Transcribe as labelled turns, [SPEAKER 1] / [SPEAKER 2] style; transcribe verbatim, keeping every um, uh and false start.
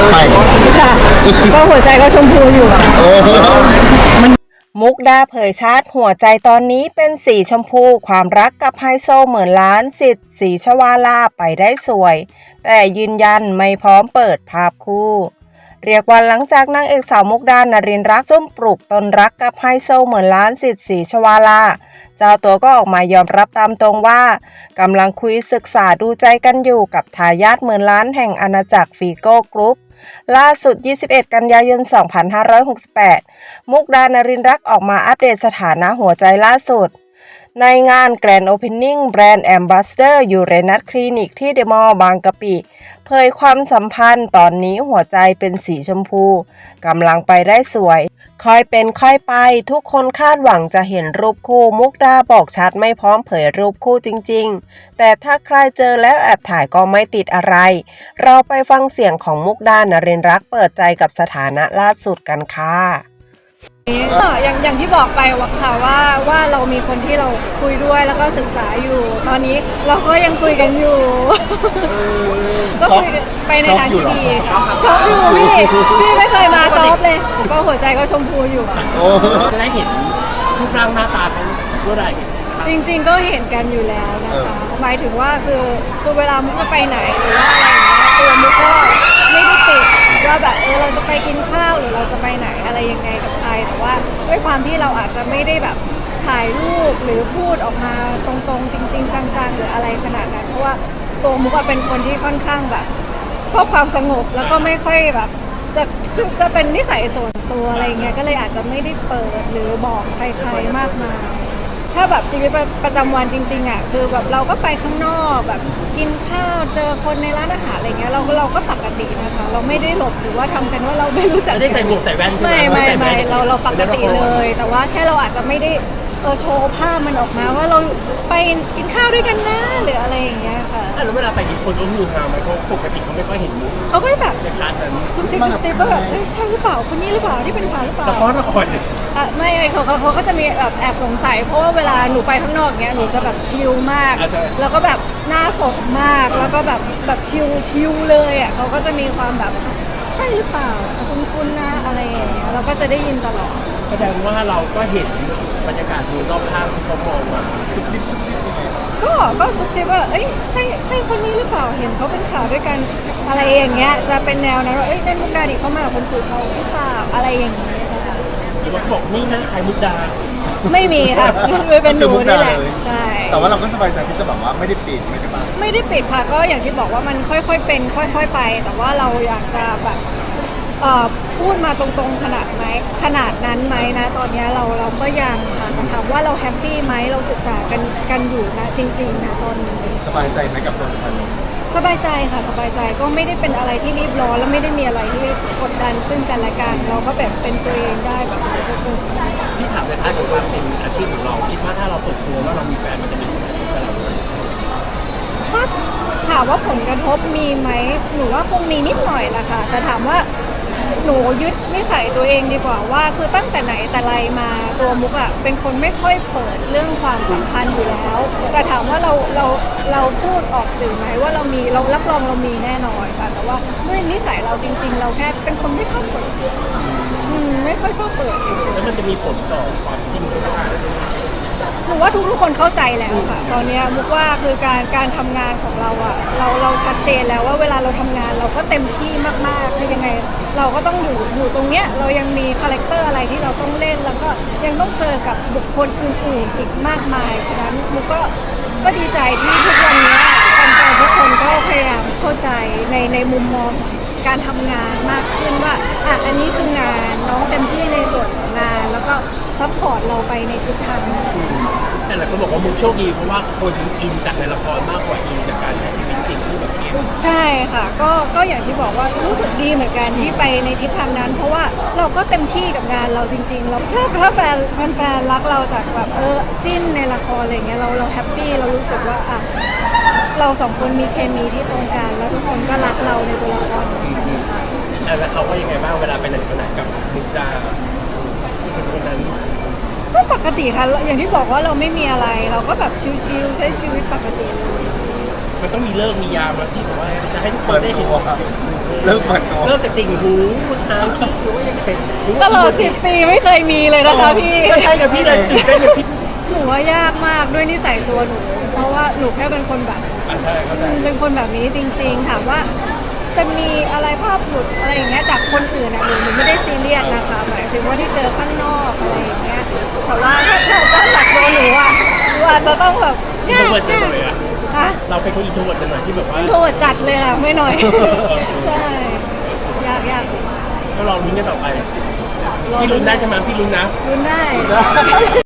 [SPEAKER 1] ไป
[SPEAKER 2] ค่ะก็หัวใจก็ชมพูอยู่มุกดาเผยชาติหัวใจตอนนี้เป็นสีชมพูความรักกับไฮโซเหมือนล้านสิทธิ์สีชวาลาไปได้สวยแต่ยืนยันไม่พร้อมเปิดภาพคู่เรียกว่าหลังจากนางเอกสาวมุกดานรินทร์รักซุ่มปลุกตนรักกับไฮโซเหมือนล้านสิทธิ์สีชวาลาเจ้าตัวก็ออกมายอมรับตามตรงว่ากำลังคุยศึกษาดูใจกันอยู่กับทายาทหมื่นล้านแห่งอาณาจักรฟีโก้กรุ๊ปล่าสุดยี่สิบเอ็ดกันยายนสองพันห้าร้อยหกสิบแปดมุกดานรินทร์รักออกมาอัปเดตสถานะหัวใจล่าสุดในงานแกรนด์โอเพนนิ่งแบรนด์แอมบาสเดอร์ยูเรนัสคลินิกที่เดอะมอลล์บางกะปิเผยความสัมพันธ์ตอนนี้หัวใจเป็นสีชมพูกำลังไปได้สวยค่อยเป็นค่อยไปทุกคนคาดหวังจะเห็นรูปคู่มุกดาบอกชัดไม่พร้อมเผยรูปคู่จริงๆแต่ถ้าใครเจอแล้วแอบถ่ายก็ไม่ติดอะไรเราไปฟังเสียงของมุกดานรินทร์รักเปิดใจกับสถานะล่าสุดกันค่ะอย่างอย่างที่บอกไปว่าค่ะว่าว่าเรามีคนที่เราคุยด้วยแล้วก็ศึกษาอยู่ ตอนนี้เราก็ยังคุยกันอยู่ก็คุยไปในทางที่ดีชอบอยู่พี่พี่ไม่เคยมาซอฟเลยก็หัวใจก็ชมพูอยู่
[SPEAKER 3] จะได้เห็นรูปร่างหน้าตาเขาเมื่อไหร่
[SPEAKER 2] จริงๆก็เห็นกันอยู่แล้วนะคะหมายถึงว่าคือคือเวลามุกจะไปไหนหรือว่าอะไรอย่างเงี้ยตัวมุกก็ไม่ได้ติดว่าแบบเออเราจะไปกินข้าวหรือเราจะไปไหนอะไรยังไงกับใครแต่ว่าด้วยความที่เราอาจจะไม่ได้แบบถ่ายรูปหรือพูดออกมาตรงๆจริงๆจังๆหรืออะไรขนาดนั้นเพราะว่าตัวมุกเป็นคนที่ค่อนข้างแบบชอบความสงบแล้วก็ไม่ค่อยแบบจะจะเป็นนิสัยส่วนตัวอะไรเงี้ยก็เลยอาจจะไม่ได้เปิดหรือบอกใครๆมากมายถ้าแบบชีวิตประจำวันจริงๆอ่ะคือแบบเราก็ไปข้างนอกแบบกินข้าวเจอคนในร้านอาหารอะไรเงี้ยเราเราก็ปกตินะคะเราไม่ได้หลบหรือว่าทำเป็นว่าเราไม่รู้จัก
[SPEAKER 3] ไม่ได้ใส่หมวกใส่แว่นใช่ไหม
[SPEAKER 2] ไม่ไม่ไม่เราเราปกติเลยแต่ว่าแค่เราอาจจะไม่ได้เออโชว์ภาพมันออกมาว่าเราไปกินข้าวด้วยกันนะหรืออะไรอย่างเงี้ยค่ะ
[SPEAKER 3] แล้วเวลาไปกินคนก็ฮือฮาไหมเพราะปกติเขาไม่ค่อยเห็นมุก
[SPEAKER 2] เขาก็แบบ
[SPEAKER 3] ในพาร์ทนั้น
[SPEAKER 2] ซุบซิบซุบซิบแบบใช่หรือเปล่าคนนี้หรือเปล่าที่เป็นข่าวหรือเปล่า
[SPEAKER 3] ละครละคร
[SPEAKER 2] อ่ะไม่เขาเขาเขาก็จะมีแบบแอบสงสัยเพราะว่าเวลาหนูไปข้างนอกเงี้ยหนูจะแบบชิลมากแล้วก็แบบหน้าสดมากแล้วก็แบบแบบชิลชิลเลยอ่ะเขาก็จะมีความแบบใช่หรือเปล่าคุ้นๆนะอะไรอย่างเงี้ยเราก็จะได้ยินตลอด
[SPEAKER 3] แสดงว่าเราก็เห็นบรรยากาศดูรอบข้างที่เขามองมา
[SPEAKER 2] ก็ก็ซุบซิบว่าเอ้ยใช่ใช่คนนี้หรือเปล่าเห็นเขาเป็นข่าวด้วยกันอะไรอย่างเงี้ยจะเป็นแนวนั้นว่าเอ้ยเล่นมุกดาดิเขามาคนคุยเขาหรือเปล่าอะไรอย่างเงี้ย
[SPEAKER 3] หรือว่าเขาบอกนี่นะใครมุกดา
[SPEAKER 2] ไม่มีค่ะไม่เป็นหนูนี่แหละใช่
[SPEAKER 1] แต่ว่าเราก็สบายใจที่จะแบบว่าไม่ได้ปิดไม่ได้บัง
[SPEAKER 2] ไม่ได้ปิดค่ะก็อย่างที่บอกว่ามันค่อยๆเป็นค่อยๆไปแต่ว่าเราอยากจะแบบพูดมาตรงๆขนาดไหมขนาดนั้นไหมนะตอนนี้เราเราก็ยังค่ะถามว่าเราแฮปปี้ไหมเราศึกษากันกันอยู่นะจริงๆนะตอนนี้
[SPEAKER 1] สบายใจไหมกับตัวสัมพันธ์
[SPEAKER 2] สบายใจค่ะสบายใจก็ไม่ได้เป็นอะไรที่รีบร้อนแล้วไม่ได้มีอะไรที่กดดันซึ่งกันและกันเราก็แบบเป็นตัวเองได้แบบนี้ก็คือ
[SPEAKER 3] พี่ถามในพาร์ทของความเป็นอาชีพของเราคิดว่าถ้าเราเปิดตัวว่าเรามีแฟนมันจะมีผลกระทบกับเรา
[SPEAKER 2] ถ้าถามว่าผลกระทบมีไหมหนูว่าคงมีนิดหน่อยแหละค่ะแต่ถามว่าหนูยึดนิสัยตัวเองดีกว่าว่าคือตั้งแต่ไหนแต่ไรมาตัวมุกอะเป็นคนไม่ค่อยเปิดเรื่องความสัมพันธ์อยู่แล้วแต่ถามว่าเราเราเราพูดออกสื่อไหมว่าเรามีเรารับรองเรามีแน่นอนค่ะแต่ว่าด้วยนิสัยเราจริงๆเราแค่เป็นคนไม่ชอบเปิดอืมไม่ค่อยชอบเปิดเฉยๆ
[SPEAKER 3] แล้วมันจะมีผลต่อความจริงหรือเปล่า
[SPEAKER 2] หนูว่าทุกๆคนเข้าใจแล้วค่ะตอนนี้มุกว่าคือการการทำงานของเราอะเราเราชัดเจนแล้วว่าเวลาเราทำงานเราก็เต็มที่มากๆคือยังไงเราก็ต้องอยู่อยู่ตรงเนี้ยเรายังมีคาแรคเตอร์อะไรที่เราต้องเล่นแล้วก็ยังต้องเจอกับบุคคลอื่นๆอีกมากมายฉะนั้นมุกก็ก็ดีใจที่ทุกวันนี้แฟนๆทุกคนก็พยายามเข้าใจในในมุมมองการทำงานมากขึ้นว่าอ่ะอันนี้คืองานน้องเต็มที่ในส่วนของงานแล้วก็ซัพพอร์ตเราไปในทิศทาง
[SPEAKER 3] แต่หลายคนบอกว่ามุกโชคดีเพราะว่าคนอินจากในละครมากกว่าอินจากการใช้ชีวิตจริงที่แบบเขียน
[SPEAKER 2] ใช่ค่ะก็ก็อย่างที่บอกว่ารู้สึกดีเหมือนกันที่ไปในทิศทางนั้นเพราะว่าเราก็เต็มที่กับงานเราจริงๆเราถ้าถ้าแฟนแฟนรักเราจากแบบเออจิ้นในละครอะไรเงี้ยเราเราแฮปปี้เรารู้สึกว่าอ่ะเราสองคนมีเคมีที่ตรงกันแล้วทุกคนก็รักเราในตัวละคร
[SPEAKER 3] แล้วเขาว่ายังไงบ้างเวลาไปไหนมาไหนกับมุกดาเป็นคนนั้น
[SPEAKER 2] ก็ปกติค่ะอย่างที่บอกว่าเราไม่มีอะไรเราก็แบบชิลๆใช้ชีวิตปกติเลย
[SPEAKER 3] มันต้องมีเลิกมียามมาที่แบบว่าจะให้ทุกค
[SPEAKER 1] เปิ
[SPEAKER 3] น
[SPEAKER 1] ด
[SPEAKER 3] ได้เห็น
[SPEAKER 1] ตัวเลิกเปิดตัว
[SPEAKER 3] เลิกจากติ่งหูทางคิ้วหรือว่ายังไงหรือ
[SPEAKER 4] ต
[SPEAKER 3] ว่า
[SPEAKER 4] ลอดสิบปีไม่เคยมีเลยนะคะพี่
[SPEAKER 3] ก็ใช่กับพี่เลยตื่นเต้นกับพี่
[SPEAKER 4] หนูว่ายากมากด้วยนิสัยตัวหนู เพราะว่าหนูแค่เป็นคนแบบ
[SPEAKER 3] อ่ะใช่เข้าใจ
[SPEAKER 4] เป็นคนแบบนี้จริงๆถามว่าจะมีอะไรภาพหลุดอะไรอย่างเงี้ยจากคนอื่นอะหนูหนูไม่ได้ซีเรียสนะคะหมายถึงว่าที่เจอข้างนอกอะไรอย่างเงี้ยแต่ว่าถ้าถ้าจะจากตัวหนูอะหนูอาจจะต้องแบบ
[SPEAKER 3] อินโทรเวิร์ดหน่อยอะ
[SPEAKER 4] ฮะ
[SPEAKER 3] เราเป็นคนอินโทรเวิร์ดหน่อยที่แบบว่า
[SPEAKER 4] อินโทรเวิร์ตจัดเลยค่ะไม่หน่อย ใช่ยากยาก
[SPEAKER 3] ก็ลองลุ้นกันต่อไปพี่ลุ้นได้ใช่ไหมพี่ลุ้นนะ
[SPEAKER 4] รุนได้
[SPEAKER 1] ได้